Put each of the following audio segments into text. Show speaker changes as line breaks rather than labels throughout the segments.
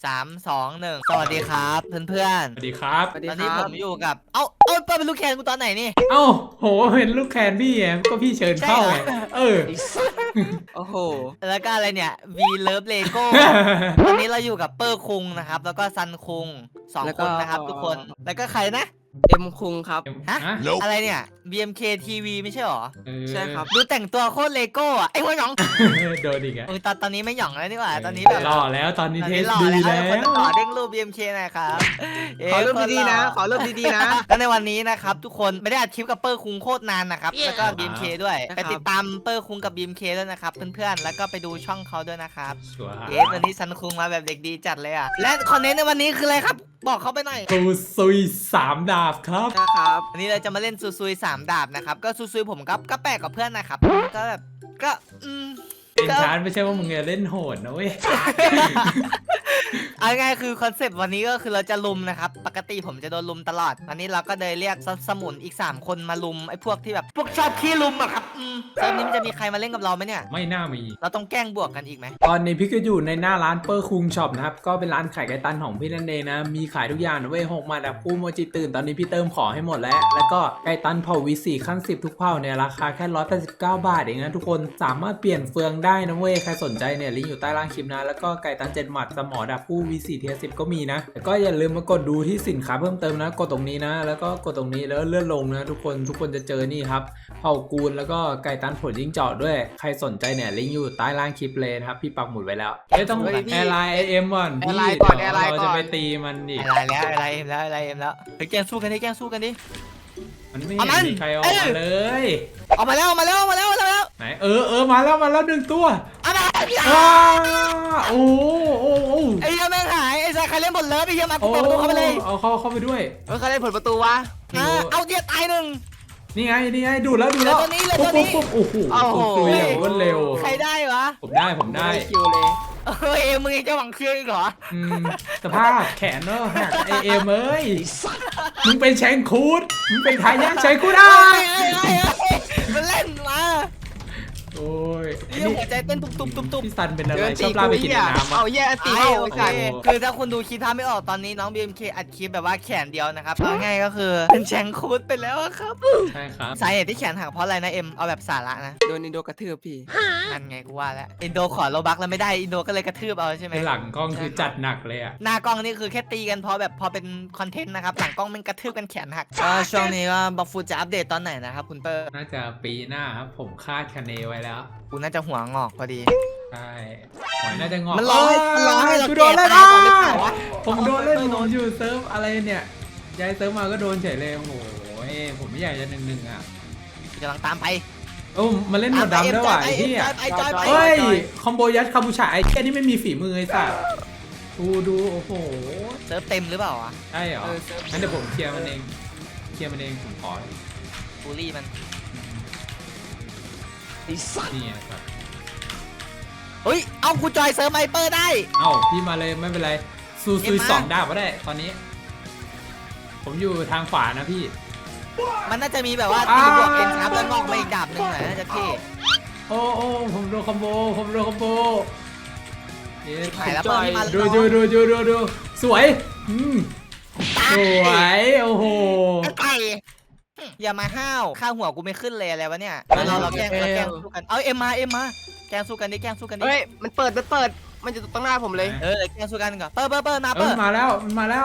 3 2 1สวัสดีครับเพื่อน
สวัสดีครับ
ๆตอนนี้ผมอยู่กับเปิดเป็นลูกแคนกูตอนไหนนี่
เอ้าโหเป็นลูกแคนพี่ไงก็พี่เชิญเข้าไงเออ
โอ้โห
แล้วก็อะไรเนี่ย V Love Lego ตอนนี้เราอยู่กับเปอร์คุงนะครับแล้วก็ซันคุง2 คนนะครับทุกคนแล้วก็ใครนะ
เอ็มคุงครับ
ฮะอะไรเนี่ย BMK TV ไม่ใช่หรอ
ใช่ครับ
ดูแต่งตัวโคตรเลโก้อะไอ้หัวหยอง
โดนอีกอ่ะ
ตอนนี้ไม่หยองแล้วนี่หว่าตอนนี้แบบ
หล่อแล้วตอนนี้เทส
หล่อ
ดี
แล้ว
แล้ว
คนต่อเด้งรูป BMK หน่อยครับ
ขอเริ่มดีๆนะ ขอเริ่มดีๆนะ
ก็ในวันนี้นะครับทุกคนไม่ได้อัดคลิปกับเปอร์คุงโคตรนานนะครับแล้วก็ BMK ด้วยไปติดตามเปอร์คุงกับ BMK ด้วยนะครับเพื่อนๆแล้วก็ไปดูช่องเขาด้วยนะครับ
ชัวร์
วันนี้ซันคุงมาแบบเด็กดีจัดเลยอ่ะและคอนเทนต์ในวันนี้คืออะไรครับบอกเขาไปหน่อย
ตูซุย3 ดาบครับ
นะครับ
วันนี้เราจะมาเล่นซูซุย3 ดาบนะครับก็ซูซุยผมก็แปลกกับเพื่อนนะครับก็แบบก็
เอ็นชาร์ไม่ใช่ว่ามึงจะเล่นโหดนะเว้ย
เอาง่ายคือคอนเซปต์วันนี้ก็คือเราจะลุมนะครับปกติผมจะโดนลุมตลอดวันนี้เราก็เลยเรียกสมุนอีก3 คนมาลุมไอ้พวกที่แบบพวกชอบขี้ลุมอะครับเซิร์ฟนี้มันจะมีใครมาเล่นกับเราไหมเนี่ย
ไม่น่ามี
เราต้องแกล้งบวกกันอีกไหม
ตอนนี้พี่ก็อยู่ในหน้าร้านเปอร์คุงช็อปนะครับก็เป็นร้านขายไก่ตันของพี่นั่นเองนะมีขายทุกอย่างนะเว้ย6 มาดับคู่โมจิตื่นตอนนี้พี่เติมของให้หมดแล้วก็ไก่ตันเผ่าวี4ขั้น10ทุกเผ่าเนี่ยราคาแค่189 บาทเองนะทุกคนสามารถเปลี่ยนเฟืองได้นะเว้ยใครสนใจเนี่ยลิงก์อยู่ใต้ล่างคลิปนะแล้วก็ไก่ตัน7 หมัดสมอดับคู่ V4 เทีย10ก็มีนะแล้วก็อย่าลืมมากดดูที่สินค้าเพิ่มเติมนะกดตรงนี้นะแล้วก็กดตรงนี้แล้วเลื่อนลงนะทุกคนจะเจอนี่ครับเผ่ากูลแล้วก็ไก่ตันผลยิงเจาะด้วยใครสนใจเนี่ยลิงก์อยู่ใต้ล่างคลิปเลยนะครับพี่ปักหมุดไว้แล้วไม่ต้องแอร์ไลน์เอ็มก่อนพี่เราจะไปตีมันดิ
อะไรแล้วไปแกล้งสู้กันดิแกล้งสู้กันดิ
มันไม่เห็นมีใครออกมาเลย
ออกมาแล้ว
ไหนมาแล้ว1 ตัว
เอามา
โอ้
ไอ้เหี้ยแม่งหายไอ้ชายใครเล่นบทเลิฟไอ้เหี้ยมากูเปิดประตูเข้าไปเลย
เอาเข้าไปด้วย
ใครเล่นผลประตูวะ
เอาเดียตาย1
นี่ไงดูแล้ว
เหลือตัวนี้
โอ้โหคุยอย่างรวดเร็ว
ใครได้วะ
ผมได้
คิวเลย
มึงยังจะหวังเชื่ออีกเหรอ
สภาพแขนเนอะหักเอ็มเอ้ยมึงเป็นแชงคูดมึงเป็นทายาทแชงคูดอ่ะ
มันเล่นมา
โอ้ย
นี่หัวใจเต้นตุบ
พี่ซันเป็นอะไรชอบลาไปกินน้ำ
เอาแย่ตีเข้า
โอเคคือถ้าคุณดูคลิปท่าไม่ออกตอนนี้น้อง BMK อัดคลิปแบบว่าแขนเดียวนะครับเอาง่ายก็คือเป็นแชงคูดไปแล้วครับ
ใช่ครับ
สาเหตุที่แขนหักเพราะอะไรนะเอาแบบสาระนะ
โดนอินโดกระทืบพี่
นั่นไงกูว่าแล้วอินโดขอโลบักแล้วไม่ได้อินโดก็เลยกระทืบเอาใช่ไหม
ในหลังกล้องคือจัดหนักเลยอ่ะ
หน้ากล้องนี่คือแค่ตีกันพอเป็นคอนเทนต์นะครับหลังกล้องมันกระทืบกันแขนหักช่วงนี้ก็บัฟฟูจะอัปเดตตอนไหนนะครับคุณเปอร์
น่าจะปีหน้าครับผมคาดคะเนไว้แล้ว
กูน่าจะหัวงอกพอดี
ใช่หอยน่าจะงอก
มันร้องให้เรา
กูโดนเล่น
แก่ตายก่อนหรือเปล่าวะ
ผมโดนเล่นผมอยู่เซิร์ฟอะไรเนี่ยย้ายเซิร์ฟมาก็โดนเฉยเลยโอ้โหผมไม่อยากจะ1-1อ่ะ
กำลังตามไป
โอ้มาเล่นหมดดำด้วยว่ะไอ้ที่อ่ะเฮ้ยคอมโบยัดคาบูชาไอ้แค่นี้ไม่มีฝีมือไอ้สัสดูโอ้โห
เซิร์ฟเต็มหรือเปล่าวะ
ใช่เหรองั้นเดี๋ยวผมเคลียร์มันเองผมขอ
บูลลี่มัน
นี่ไงครับ
เฮ้ยเอากูจอยเซิร์ฟไมเปอร์ได้
เอ้าพี่มาเลยไม่เป็นไรซูซุย2 ดาบก็ได้ตอนนี้ ผมอยู่ทางขวานะพี่
มันน่าจะมีแบบว่าตีบวกเอ็นครับแล้วงอกมาอีกดาบหนึงหน่อยน่าจะเท่
โอ้ผมโดนคอมโบเอ๊ะ
หายแล้วเปิดมา
ดูสวยสวยโอ้โห
ไก่อย่ามาห้าวค่าหัวกูไม่ขึ้นเลยอะไรวะเนี่ยเราแกล้งสู้กันเอาเอ็มมาแกล้งสู้กันดิ
เฮ้ยมันเปิดมันจะตรงหน้าผมเลย
แกล้งสู้กันก่อนเปิดมา
มันมาแล้ว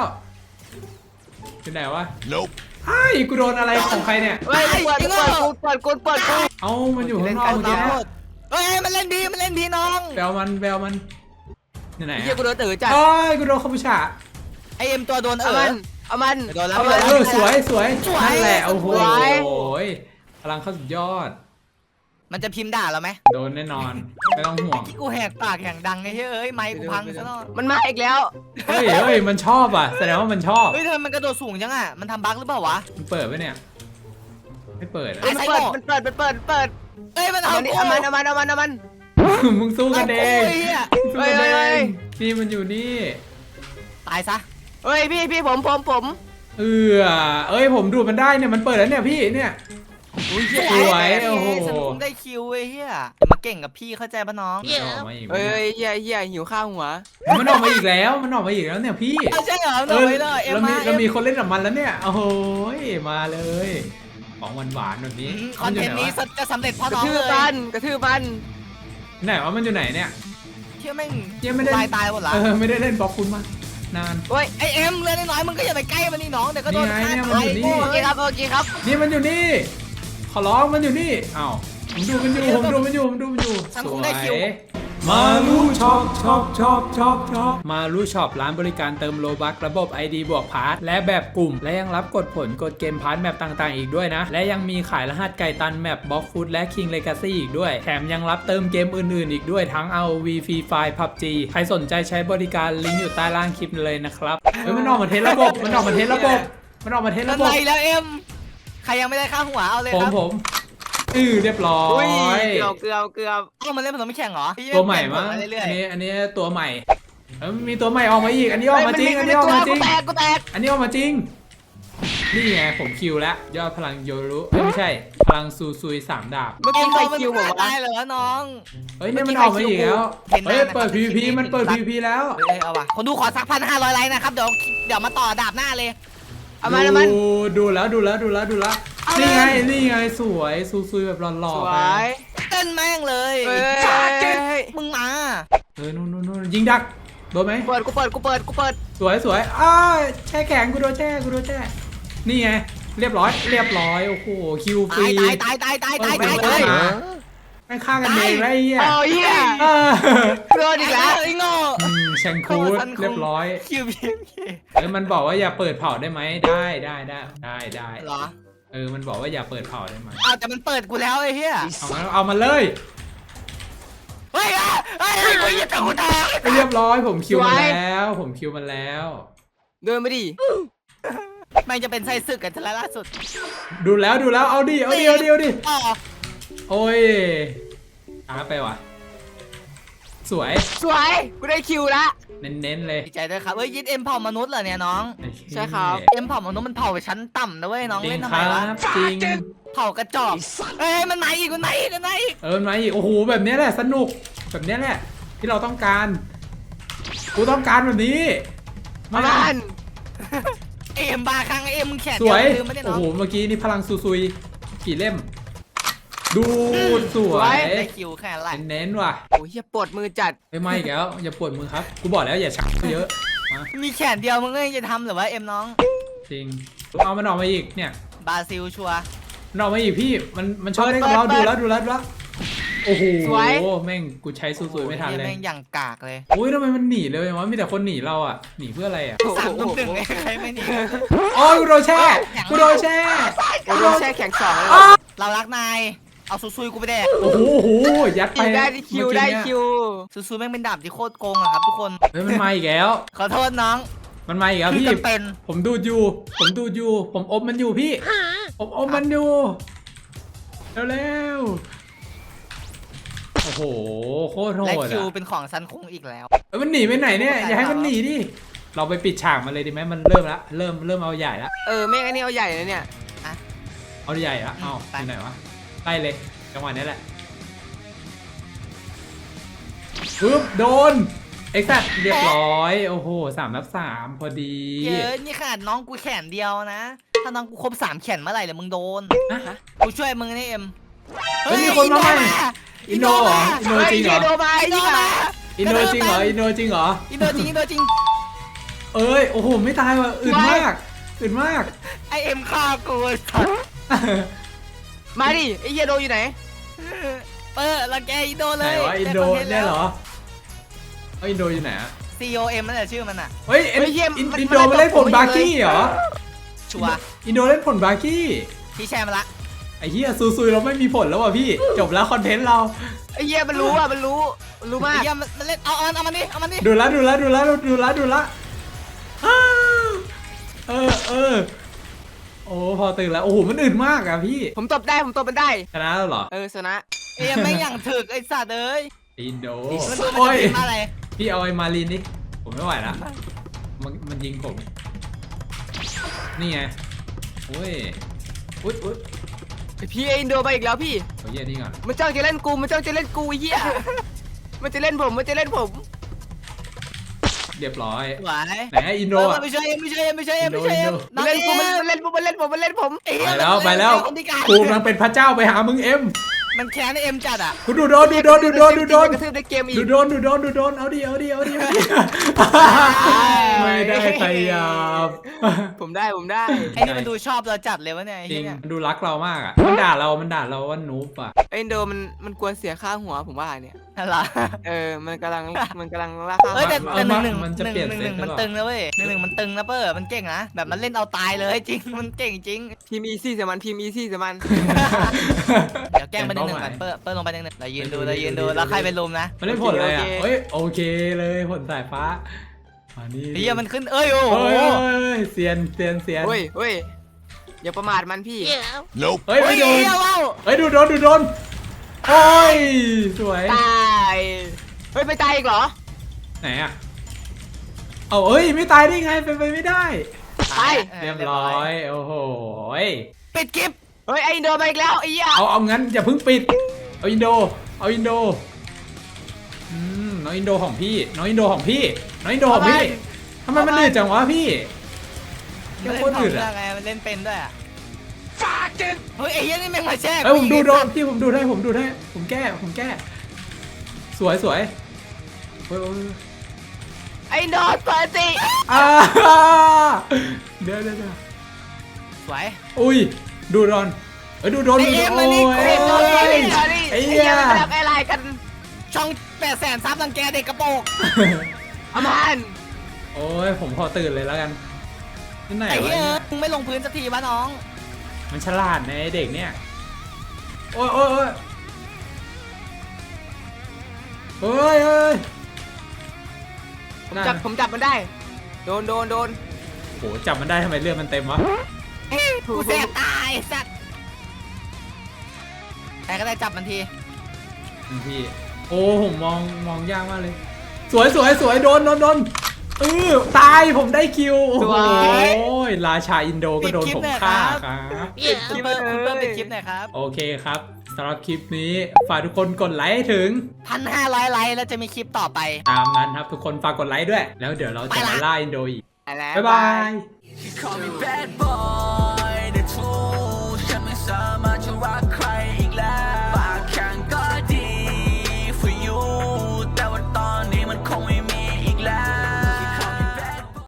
ที่ไหนวะไอ้กูโดนอะไรของใครเนี่ย
เฮ้ยเปิดกู
เอ้ามันอยู่ข้างนอกเมื่อกี้นะ
เฮ้ยมันเล่นดีน้อง
แบลมันที่ไหน
เฮียกูโดนตื่นจัด
โอ้ยกูโดนคาบูชา
ไอเอ็มตัวโดน
เอามัน
โดนแล้ว
สวยนั่นแหละโอ้โหพลังเข้าสุดยอด
มันจะพิมพ์ด่าเราไหม
โดนแน่นอนไม่ต้องห่วง
กูแหกปากอย่างดังไอ้เฮ้ยไมค์กูพังซะแล้ว
มันมาอีกแล้ว
เฮ้ยมันชอบอ่ะแสดงว่ามันชอบ
เฮ้ยทำไมมันกระโดดสูงจังอ่ะมันทำบั๊กหรือเปล่าวะ
มันเปิดไหมเนี่ยไม่เปิด
มันเปิด
เอ้ยมัน
เอา
เอา
มัน
มึงสู้กันเองนี่มันอยู่นี่
ตายซะ
เฮ้ยพี่ผม
เอ้ยผมดูดมันได้เนี่ยมันเปิดแล้วเนี่ยพี่เนี่ย
อุ้ย
ส
เหี้ย
วย
โอ้โห
ฉันคงได้คิวเว้ยเฮียมาเก่งกับพี่เข้าใจปะน้อง
มันออกมาอีก
เอ้ยเหี้ยหิวข้าวหัว
มันออกมาอีกแล้วมันออกมาอีกแล้วเนี่ยพี่
เอาใช่เหรอหน่อยเลยเอ็ม
เรา
มา
เรามีคนเล่นกับมันแล้วเนี่ยโอ้โหมาเลยของหวานๆแบบนี้
คอนเทนต์นี้
มั
จะสำเร็จเพราะ
กระ
น้อง
ทืบ
เลย
มันกระทืบมัน
อยู่ไหนไหนวะมันอยู่ไหนเนี่ย
เชื่อแม่ง
ยังไม่ได้
ตายหมดละ
ไม่ได้เล่นบล็อกคุณมานาน
โอ้ย
ไอเอ็มเลือดน้อยมึงก็อย่าไปใกล้มันนี่น้องเดี๋ยวก็โดน
นี่ไง
ฆ่า
เนี่ยมัน
ตาย
อยู่นี่
โง่
โอเคครับโอเคครับ
นี่มันอยู่นี่ ขอร้องมันอยู่นี่อ้าวผมดูมันอยู่ผมดูมันอยู่
ฉันคงได้คิว
มาลูช็อปมาลูช็อปร้านบริการเติมโลบัคระบบ ID บวกพาร์ทและแบบกลุ่ม และยังรับกดผลกดเกมพาร์ทแมปต่างๆ อีกด้วยนะ และยังมีขายรหัสไก่ตันแมปบล็อกฟุตและ King Legacy อีกด้วย แถมยังรับเติมเกมอื่นๆ อีกด้วยทั้ง ROV Free Fire PUBG ใครสนใจใช้บริการลิงก์อยู่ใต้ล่างคลิปเลยนะครับเฮ้ยมันออกมาเทสระบบมันออกมาเทสระบบมันออกมาเทส
นั่
ระ
น
บบ
ไรแล้วเอ็มใครยังไม่ได้ค่าหัวเอาเลย
ผม
ครับ
ผมเรียบร้อ
อุ้ย
ย
เกือบ
เอ้ามันเล่นผสมไม่แข่งเหรอ
ตัวใหม่มั้ง
เปลี่ยนผลาเรื่อย
อันนี้ตัวใหม่มีตัวใหม่ออกมาอีกอันนี้ออกมาจริงอันนี้ออกมาจริง
กูแตก
อันนี้ออกมาจริงนี่ไงผมคิวแล้วยอดพลังโยรุไม่ใช่พลังซูซุย3 ดาบ
เมื่อ
ๆ
กี้ใคร
มัน
คิวผม
ได้
วะ
เหรอน้อง
เฮ้ยเนี่ยมันออกมาอีกแล้ว
เห็นหน้า
เฮ้ย
นะครับ
เปิด PVP
คลิปนี้
มันเปิด
เป็น
PVP แล้ว
เอ้ยเอาว่ะคนดูขอสัก1,500 ไลค์นะครับเดี๋ยวมาต่อดาบหน้าเลย
เอามันเอามัน
ดูแล้วนี่ไงสวยซูซุยแบบหล่อ
ส
ๆ
ว
ไป
ย
เต้นแม่งเลย
เฮ้ย
มึงมา
นู่นยิงดักโดนไหม
กูเปิด
สวยแช่แข็งกูโดนแช่นี่ไงเรียบร้อยโอ้โหคิวฟรี
ตาย
ไม่ฆ่ากันเองแล้วไอ้เหี้ย
โอ้ยเหี้ย
เออ
โดนอีกแล้ว
ไอ้โง่
แชงคูดเรียบร้อย
คิวพี
แล้วมันบอกว่าอย่าเปิดเผาได้ไหมได้
เหรอ
มันบอกว่าอย่าเปิดเผาได้ไหม
อ้าวแต่มันเปิดกูแล้วไอ้เหี้ย
เอามาเลย
เฮ้ยกูจะตะกูตาย
เรียบร้อยผมคิวมันแล้ว
เดินไปดิ
มันจะเป็นไส้ศึกกันทีละล่าสุด
ดูแล้วเอาดิ
อ๋อ
โอ้ยช้าไปว่ะสวย
กูได้คิวละ
เน้นๆเลย
ดีใจด้วยครับเฮ้ยยึดเอ็มเผ่ามนุษย์เหรอเนี่ยน้อง
ใช่ครับ
เอ็มเผ่ามนุษย์มันเผ่าชั้นต่ำนะเว้ยน้อง
จริ
เล่
ง
นทำ
ค
ไม
รั
วะ
บจริง
เผ่ากระจอกเอ้ยมันมาอีก
มันมาอีกโอ้โหแบบนี้แหละสนุกแบบนี้แหละที่เราต้องการกูต้องการแบบนี้
เอามัน
เอ็มบาครั้งเอ็มมึงแขน
ส
เดียว
วย
ลืมไม่ได้
โอ้
น้อง
โหเมื่อกี้นี่พลังซุยกี่เล่ม ดูสวย
ได้คิวแค่ไร
เน้นๆว่ะ
โอ้ยเหี้ยปวดมือจัด
ไม่อีกแล้วอย่าปวดมือครับกูบอกแล้วอย่าชักเยอะมา
มีแขนเดียวมึงก็ยังจะทำหรือว่าเอ็มน้อง
จริงเอามันออกมาอีกเนี่ย
บราซิลชัวร์
มันออกมาอีกพี่มันชอบเล่นกับเราดูแล้วโอ้โหแม่งกูใช้ซุยไม่ทันเลย
แม่งอย่างกากเลย
อุ้ยทำไมมันหนีเลยวะมีแต่คนหนีเราอ่ะหนีเพื่ออะไรอ่ะ
3-1ไงใครไม่หนี
โอ้ยกูโดนแช่กูโดนแช่
กูโดนแช่แข็ง2เลย
เรารักนายเอาซุยกูไปแดก
โอ้โหยัดไป
ได้คิวได้คิว
ซุยแม่งเป็นดาบที่โคตรโกงอะครับทุกคน
เฮ้ยมันมาอีกแล้ว
ขอโทษน้อง
มันมาอีกแล้วพี่
จำเป็น
ผมดูดอยู่ผมอมมันอยู่พี่ผมอมมันอยู่เร็วโอ้โหโคตรโห
และ
ด
คิว
อ่ะ
เป็นของซันคงอีกแล้ว
เอ้ยมันหนีไปไหนเนี่ยอย่าให้มันหนีดิเราไปปิดฉากมันเลยดีไหมมันเริ่มเอาใหญ่ละ
แม่งอันนี้เอาใหญ่เลยเนี่ย
เอาใหญ่ละเอา
ไป
อยู่ไหนวะไล่เลยจังหวะนี้แหละปึ๊บโดนเอ็กซ์เรียบร้อยโอ้โห3-3พอดี
เยอะนี่ขนาดน้องกูแขนเดียวนะ ถ้าน้องกูครบ3แขนเมื่อไหร่เลยมึงโดน
ฮะ
กูช่วยมึงนี่เอ็ม
เฮ้ยมีคนมาใหม่ อินโดเหรออินโดจริงเหรอ
โดมา
อินโดมา
อินโดจริงเหรอ
อินโดจริง
เอ้ยโอ้โหไม่ตายว่ะอื่นมาก
ไอเอ็มฆ่ากู
มาดิไอ้เหี้ยโดอยู่ไหน
รังแกอินโดเล
ไหน
ยว
ะอินโดเนี่ยเหรอเอาอินโดอยู่ไหนอะ
COM นั่นแหละชื่อมันอะ
เฮ้ยอินโดมาเล่นผลบาร์กี้เหรอ
ชัวร์
อินโดเล่นผลบาร์กี้
พี่แชร์มาละ
ไอ้เหี้ยซุยเราไม่มีผลแล้วว่ะพี่จบแล้วคอนเทนต์เรา
ไอ้เหี้ยมันรู้มาก
ไอ้เหี้ยมันเล่นเอามันนี่เอามันนี่
ดูละอ้าวโอ้พอตื่นแล้วโอ้โหมันอื่นมากอะพี่
ผมตบมันได้
ชนะแล้วเหรอ
ชนะ
เอ็มไม่อย่างถึกไอ้สัตว์เอ้ย
อินโด
มันดูมัน
โอ้
จะ
ย
เป็นมาอะไร
พี่เอาไอ้มารีนดิผมไม่ไหวแล้วมันยิงผมนี่ไงโอ้ยอุ๊ย
พี่อินโดมาอีกแล้วพี่
เอาเยี่ยนี่ก่อน
มันจ้องจะเล่นกูมันจ้องจะเล่นกูไอ้เหี้ยมันจะเล่นผมมันจะเล่นผม
เรียบร้อย
ไหว
ไหนอินโดอ่ะ
ไม่ใช่ไม่ใช่ไม่ใช่ไม่ใช่
อินโด
มันเล่นกูมันเล่นผมมันเล่นผมมันเล่นผม
ไปแล้วไปแล้วกูกำลังเป็นพระเจ้าไปหามึงเอ็ม
มันแค้นเอ็มจัดอ่ะ
กูดูโดนดูโดนดูโดนดูโดน
กระทืบในเกมอีก
ดูโดนดูโดนดูโดนเอาดิเอาดิเอาดิไม่ได้ขยับ
ผมได้
ไอ้นี่มันดูชอบเราจัดเลยวะเนี่ยไอ้
จริง
เนี่ย
ดูรักเรามากอ่ะมันด่าเราว่านูบอ่ะ
ไอ้อินโดมันกวนเสียค่าหัวผมว่าเนี่ย
อะไร
มันกำลังล่าค่า
เอ้ยแต่
หัว
แต่หนึ่ง
มันจะเปลี่ยนเซต
มัน
หรือเปล่า
ตึงนะเว้ยหนึ่งมันตึงนะเปอร์มันเก่งนะแบบมันเล่นเอาตายเลยจริงมันเก่งจริง
ทีมอีซี่สมันทีมอีซี่สมัน
เดี๋ยวแกล้งไปหนึ่งก่อนเปอร์ลงไปหนึ่งเรายืนดูแล้วใครเป็นลุมนะ
มันได้ผลอะไรอ่ะเฮ้ยโอเคเลยผลสายฟ้าอันนี้
เฮียมันขึ้นเอ้ยโอ้โห
เฮ้ยเซียน
เฮ้ยอย่าประมาทมันพี่
เฮ้ย
เฮ้
ไม่
ย
โดน
เฮียว้าว
เฮ้ยดูโดนโอ้ยสวย
ตายเฮ้ยไปตายอีกเหรอ
ไหนอ่ะเอาเอ้ยไม่ตายได้ไงเป็นไปไม่ได้
ไป
เรียบร้อยโอ้โห
ปิดคลิป
เฮ้ยไอ้อินโดมาอีกแล้วไอ้เหี้ย
เอางั้นอย่าเพิ่งปิดเอาอินโดน้องอินโดของพี่น้องอินโดของพี่ทำไมมันดื้อจังวะพี่
มัน
โค
เล่น
ตร
ขอ
ดื้
ง
อ
เรื่อง
อ่ะ
ไงมันเล่นเป็นด้วยอ่ะเฮ้ยไอ้เฮียนี่แม่งมาแช่
เอ้ยผมดูโดนพี่ผมดูได้ผมแก้สวยโอ้ย
ไอ้อินโดเปิดสิ
อ่าเดี๋ยว
สวย
อุ้ยดูโดนเอ้ยดูโดน
ไอ้เอ็มมานี่
โอ้
ไอ้อินโด
ย
ไอ้เหี้ยมันทำอะไรกัน
ช่อง800,000ซับรังแกเด็กกระโปรง
อามัน
โอ้ยผมขอตื่นเลยแล้วกันที่ไหน
ไอ้
วะ
เฮีย
เนี่ย
มึงไม่ลงพื้นสักทีวะน้อง
มันฉลาดในะไอ้เด็กเนี่ยโอ้ย
ผมจับมันได้โดน
โหจับมันได้ทำไมเลือดมันเต็มวะ
กูแสบตายสัตว์ใครก็ได้จับมันที
พี่โอ้ผมมองยากมากเลย สวยโดนตายผมได้คิวโอ้โหราชาอินโดก็โดนผมฆ่าครับ
คุณเปิ้ลปิดคลิปหน่อยครับ
โอเคครับสำหรับคลิปนี้ฝากทุกคนกดไลค์ให้ถึง
1,500 ไลค์แล้วจะมีคลิปต่อไป
ตามนั้นครับทุกคนฝากกดไลค์ด้วย แล้วเดี๋ยวเราจะมาล่าอินโดอีก
แล้ว
บ๊ายบาย
Call me bad boy